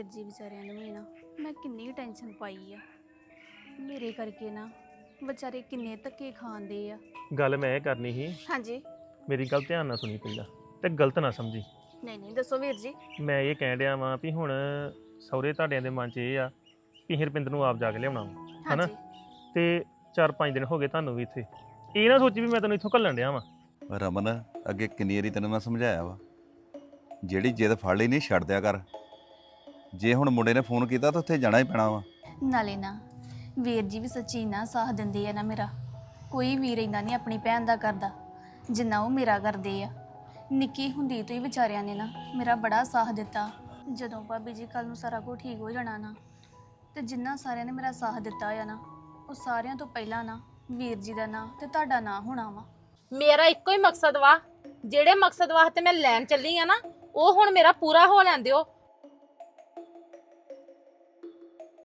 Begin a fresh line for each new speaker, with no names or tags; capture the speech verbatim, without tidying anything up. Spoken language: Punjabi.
ਜੀ ਵਿਚਾਰਿਆਂ ਨੂੰ ਵੀ ਨਾ ਮੈਂ ਕਿੰਨੀ ਟੈਨਸ਼ਨ ਪਾਈ ਆ। ਮੇਰੇ ਕਰਕੇ ਨਾ ਵਿਚਾਰੇ ਕਿੰਨੇ ਧੱਕੇ ਖਾਂਦੇ ਆ।
ਗੱਲ ਮੈਂ ਇਹ ਕਰਨੀ ਸੀ,
ਹਾਂਜੀ
ਮੇਰੀ ਗੱਲ ਧਿਆਨ ਨਾਲ ਸੁਣੀ ਪਹਿਲਾਂ ਤੇ ਗਲਤ ਨਾ ਸਮਝੀ।
ਨਹੀਂ ਨਹੀਂ ਦੱਸੋ ਵੀਰ ਜੀ।
ਮੈਂ ਇਹ ਕਹਿਣ ਡਿਆ ਵਾਂ ਵੀ ਹੁਣ ਸਹੁਰੇ ਤੁਹਾਡਿਆਂ ਦੇ ਮਨ 'ਚ ਇਹ ਆ ਵੀ ਹਰਪਿੰਦਰ ਨੂੰ ਆਪ ਜਾ ਕੇ ਲਿਆਉਣਾ ਵਾ, ਹਨਾ?
ਹਾਂਜੀ
ਤੇ ਚਾਰ ਪੰਜ ਦਿਨ ਹੋ ਗਏ ਤੁਹਾਨੂੰ ਵੀ ਇੱਥੇ, ਇਹ ਨਾ ਸੋਚੀ ਵੀ ਮੈਂ ਤੈਨੂੰ ਇੱਥੋਂ ਘੱਲਣ ਡਿਆ ਵਾਂ।
ਰਮਨ, ਅੱਗੇ ਕਿੰਨੀ ਵਾਰੀ ਤੈਨੂੰ ਮੈਂ ਸਮਝਾਇਆ ਵਾ, ਜਿਹੜੀ ਜਿੱਦ ਫੜ ਲਈ ਨਹੀਂ ਛੱਡ ਦਿਆ ਕਰ। ਜੇ ਹੁਣ ਮੁੰਡੇ ਨੇ ਫੋਨ ਕੀਤਾ ਤਾਂ ਉੱਥੇ ਜਾਣਾ ਹੀ ਪੈਣਾ ਵਾ।
ਨਾਲੇ ਨਾ ਵੀਰ ਜੀ ਵੀ ਸੱਚੀ ਨਾ ਸਾਥ ਦਿੰਦੇ ਆ ਨਾ ਮੇਰਾ। ਕੋਈ ਵੀਰ ਇੰਨਾ ਨਹੀਂ ਆਪਣੀ ਭੈਣ ਦਾ ਕਰਦਾ ਜਿੰਨਾ ਉਹ ਮੇਰਾ ਕਰਦੇ ਆ। ਨਿੱਕੀ ਹੁੰਦੀ ਤੋਂ ਹੀ ਵਿਚਾਰਿਆਂ ਨੇ ਨਾ ਮੇਰਾ ਬੜਾ ਸਾਥ ਦਿੱਤਾ। ਜਦੋਂ ਭਾਬੀ ਜੀ ਕੱਲ ਨੂੰ ਸਾਰਾ ਕੁਝ ਠੀਕ ਹੋ ਜਾਣਾ ਨਾ, ਤੇ ਜਿੰਨਾ ਸਾਰਿਆਂ ਨੇ ਮੇਰਾ ਸਾਥ ਦਿੱਤਾ ਆ ਨਾ, ਉਹ ਸਾਰਿਆਂ ਤੋਂ ਪਹਿਲਾਂ ਨਾ ਵੀਰ ਜੀ ਦਾ ਨਾਂ ਤੇ ਤੁਹਾਡਾ ਨਾਂ ਹੋਣਾ ਵਾ।
ਮੇਰਾ ਇੱਕੋ ਹੀ ਮਕਸਦ ਵਾ, ਜਿਹੜੇ ਮਕਸਦ ਵਾਸਤੇ ਮੈਂ ਲੈਣ ਚੱਲੀ ਆ ਨਾ, ਉਹ ਹੁਣ ਮੇਰਾ ਪੂਰਾ ਹੋ ਲੈਣ ਦਿਓ।